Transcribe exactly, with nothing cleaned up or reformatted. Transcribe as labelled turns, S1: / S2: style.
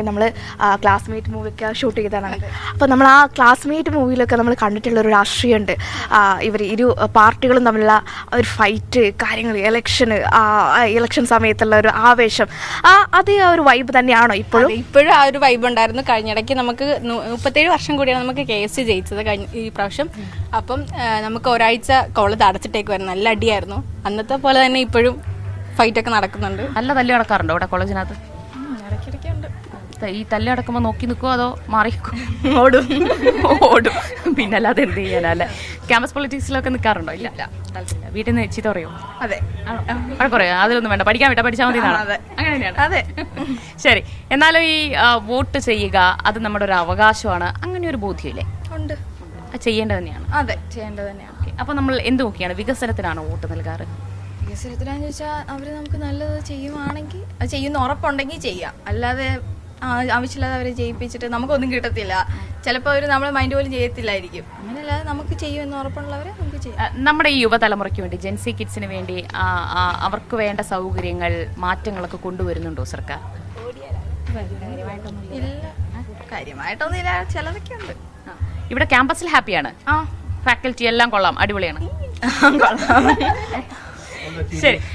S1: പറയട്ടെ, നമ്മൾ classmate മൂവിയൊക്കെ shoot ചെയ്തതാണ്. അപ്പോൾ നമ്മൾ ആ ക്ലാസ്മേറ്റ് മൂവിയിലൊക്കെ നമ്മൾ കണ്ടിട്ടുള്ളൊരു രാഷ്ട്രീയമുണ്ട്. ഇവർ ഇരു പാർട്ടികളും തമ്മിലുള്ള ഒരു ഫൈറ്റ്, കാര്യങ്ങൾ, ഇലക്ഷന്, ഇലക്ഷൻ സമയത്തുള്ള ഒരു ആവേശം, ആ അതേ ആ ഒരു വൈബ് തന്നെയാണോ ഇപ്പോഴും?
S2: ഇപ്പോഴും ആ ഒരു വൈബ് ഉണ്ടായിരുന്നു. കഴിഞ്ഞിടയ്ക്ക് നമുക്ക് മുപ്പത്തേഴ് വർഷം കൂടിയാണ് നമുക്ക് കേസ് ജയിച്ചത് കഴിഞ്ഞ ഈ പ്രാവശ്യം. അപ്പം നമുക്ക് ഒരാഴ്ച കോളേജ് അടച്ചിട്ടേക്കുമായിരുന്നു. നല്ല അടിയായിരുന്നു. അന്നത്തെ പോലെ തന്നെ ഇപ്പോഴും ഫൈറ്റൊക്കെ നടക്കുന്നുണ്ട്.
S3: നല്ല തല്ലി നടക്കാറുണ്ടോ ഇവിടെ കോളേജിനകത്ത്?
S2: ഇടയ്ക്കിടയ്ക്കുണ്ട്.
S3: ഈ തല്ലി നടക്കുമ്പോൾ നോക്കി നിൽക്കുമോ അതോ മാറി
S1: ഓടും
S3: ഓടും? പിന്നെ അല്ലാതെ എന്ത് ചെയ്യാനല്ലേ? ക്യാമ്പസ് പൊളിറ്റിക്സിലൊക്കെ നിൽക്കാറുണ്ടോ? ഇല്ല. വീട്ടിൽ നിന്ന് ചീത്ത പറയോ?
S2: അതെ.
S3: പറയാം അതിലൊന്നും വേണ്ട, പഠിക്കാൻ വിട്ടാ പഠിച്ചാൽ മതി. അങ്ങനെ തന്നെയാണ്.
S2: അതെ. ശരി.
S3: എന്നാലും ഈ വോട്ട് ചെയ്യുക അത് നമ്മുടെ ഒരു അവകാശമാണ്, അങ്ങനെ ഒരു ബോധ്യമില്ലേ?
S2: ഉണ്ട്.
S3: ചെയ്യേണ്ടത് തന്നെയാണ്.
S2: അതെ, ചെയ്യേണ്ടത് തന്നെയാണ്.
S3: അപ്പൊ നമ്മൾ എന്ത് നോക്കിയാണ് വികസനത്തിനാണോ വോട്ട് നൽകാറ്?
S2: വികസനത്തിനാന്ന് ചോദിച്ചാൽ അവർ നമുക്ക് നല്ലത് ചെയ്യുവാണെങ്കിൽ, അത് ചെയ്യുന്ന ഉറപ്പുണ്ടെങ്കിൽ ചെയ്യാം. അല്ലാതെ ആവശ്യമില്ലാതെ അവരെ ജയിപ്പിച്ചിട്ട് നമുക്കൊന്നും കിട്ടത്തില്ല. ചിലപ്പോൾ അവർ നമ്മളെ മൈൻഡ് പോലും ചെയ്യത്തില്ലായിരിക്കും. അങ്ങനെയല്ലാതെ നമുക്ക് ചെയ്യുമെന്ന് ഉറപ്പുള്ളവരെ നമുക്ക് ചെയ്യാം.
S3: നമ്മുടെ ഈ യുവതലമുറയ്ക്ക് വേണ്ടി, ജെൻസി കിഡ്സിന് വേണ്ടി അവർക്ക് വേണ്ട സൗകര്യങ്ങൾ, മാറ്റങ്ങളൊക്കെ കൊണ്ടുവരുന്നുണ്ടോ സർക്കാർ?
S2: ഇല്ല, കാര്യമായിട്ടൊന്നും ഇല്ല. ചിലതൊക്കെ ഉണ്ട്.
S3: ഇവിടെ ക്യാമ്പസിൽ ഹാപ്പിയാണ്? ഫാക്കൽറ്റി എല്ലാം കൊള്ളാം, അടിപൊളിയാണ്.
S2: കൊള്ളാം.
S3: ശരി.